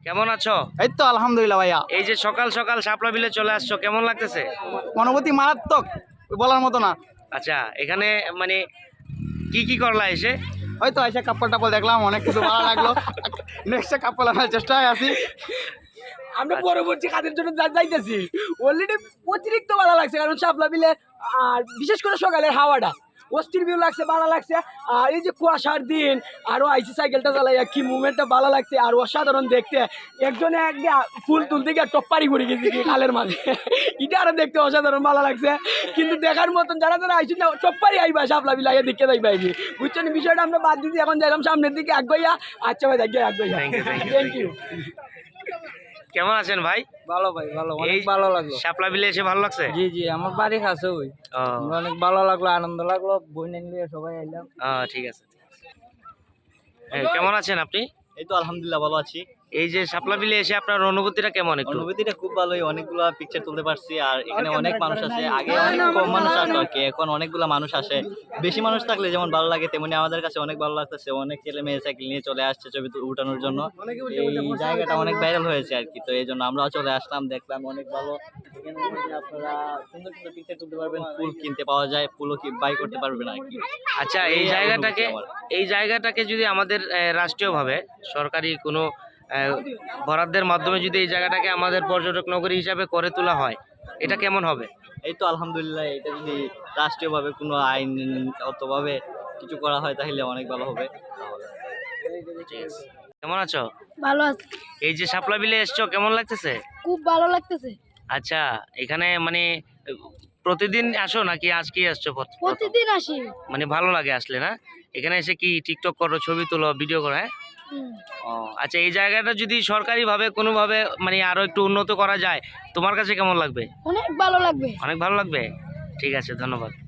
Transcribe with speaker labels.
Speaker 1: কেমন আছো?
Speaker 2: এই তো আলহামদুলিল্লাহ ভাইয়া।
Speaker 1: এই যে সকাল সকাল শাপলা বিলে চলে আসছো, কেমন লাগতেছে?
Speaker 2: অনুভূতি মারাত্মক, বলার মতো না।
Speaker 1: আচ্ছা, এখানে মানে কি কি করলা এসে?
Speaker 2: হয়তো এসে কাপড় টাপড় দেখলাম, অনেক কিছু ভালো লাগলো। নেক্সটে কাপড় আনার চেষ্টায় আছি।
Speaker 3: আমরা পরবর্তী কাজের জন্য যাইতেছি। অলরেডি অতিরিক্ত ভালো লাগছে, কারণ শাপলা বিলে আর বিশেষ করে সকালের হাওয়াটা অস্থির ভিউ লাগছে, ভালো লাগছে। আর এই যে কুয়াশার দিন, আরো আইসি সাইকেলটা চালাইয়া কি মুভমেন্টটা ভালো লাগছে, আর অসাধারণ দেখতে। একজনে একদিন ফুল তুলতে গিয়ে টপ্পারি করে গেছি খালের মাঝে, এটা আরো দেখতে অসাধারণ ভালো লাগছে। কিন্তু দেখার মতন যারা যারা আইসি না টপ্পারি আইবা শাপলা বিলে আগে দেখতে যাইবা আইবি, বুঝছেন? বিষয়টা আমরা বাদ দিচ্ছি, এখন যাইলাম সামনের দিকে আগাইয়া। আচ্ছা ভাই, দেখ আগাইয়া। Thank you.
Speaker 1: কেমন আছেন ভাই?
Speaker 3: ভালো ভাই, ভালো,
Speaker 1: এই
Speaker 3: অনেক ভালো লাগলো।
Speaker 1: শাপলা বিলে এসে ভালো লাগছে?
Speaker 3: জি জি, আমার বাড়ি কাছে ওই,
Speaker 1: ও,
Speaker 3: অনেক ভালো লাগলো, আনন্দ লাগলো, বই নিয়ে সবাই আইলাম।
Speaker 1: ঠিক আছে। কেমন আছেন আপনি?
Speaker 2: এই তো আলহামদুলিল্লাহ ভালো আছি।
Speaker 1: এই যে শাপলা বিলে এসে আপনার অনুভূতিটা কেমন একটু?
Speaker 2: অনুভূতিটা খুব ভালোই, অনেকগুলো পিকচার তুলতে পারছি। আর এখানে অনেক মানুষ আছে, আগে অনেক কম মানুষ আসতো আর কি, এখন অনেকগুলো মানুষ আসে। বেশি মানুষ থাকলে যেমন ভালো লাগে, তেমনি আমাদের কাছে অনেক ভালো লাগতেছে। অনেক ছেলে মেয়ে সাইকেল নিয়ে চলে আসছে ছবি উঠানোর জন্য। এই জায়গাটা অনেক ভাইরাল হয়েছে আর কি, তো এই জন্য আমরাও চলে আসলাম, দেখলাম অনেক ভালো। এখানে আপনারা সুন্দর সুন্দর পিকচার তুলতে পারবেন, ফুল কিনতে পাওয়া যায়, ফুলও বাই করতে পারবেন আর কি।
Speaker 1: আচ্ছা, এই জায়গাটাকে যদি আমাদের রাষ্ট্রীয়ভাবে সরকারি কোনো বরাদ্দের মাধ্যমে যদি এই জায়গাটাকে আমাদের পর্যটক নগরী হিসাবে করে তোলা হয়, এটা কেমন হবে?
Speaker 2: এই তো আলহামদুলিল্লাহ, এটা যদি রাষ্ট্রীয়ভাবে কোনো আইনগতভাবে কিছু করা হয় তাহলে অনেক ভালো হবে।
Speaker 1: কেমন আছো?
Speaker 4: ভালো আছে,
Speaker 1: এই যে শাপলা বিলে এসছো, কেমন লাগতেছে?
Speaker 4: খুব ভালো লাগতেছে।
Speaker 1: আচ্ছা, এখানে মানে প্রতিদিন আসো নাকি আজকে আসছো?
Speaker 4: প্রতিদিন আসি।
Speaker 1: মানে ভালো লাগে আসলে না? এখানে এসে কি টিকটক করো, ছবি তোলো, ভিডিও করো? হ্যাঁ।
Speaker 4: হুম।
Speaker 1: ও আচ্ছা, এই জায়গাটা যদি সরকারিভাবে কোনোভাবে মানে আরো একটু উন্নত করা যায়, তোমার কাছে কেমন লাগবে?
Speaker 4: অনেক ভালো লাগবে।
Speaker 1: অনেক ভালো লাগবে। ঠিক আছে, ধন্যবাদ।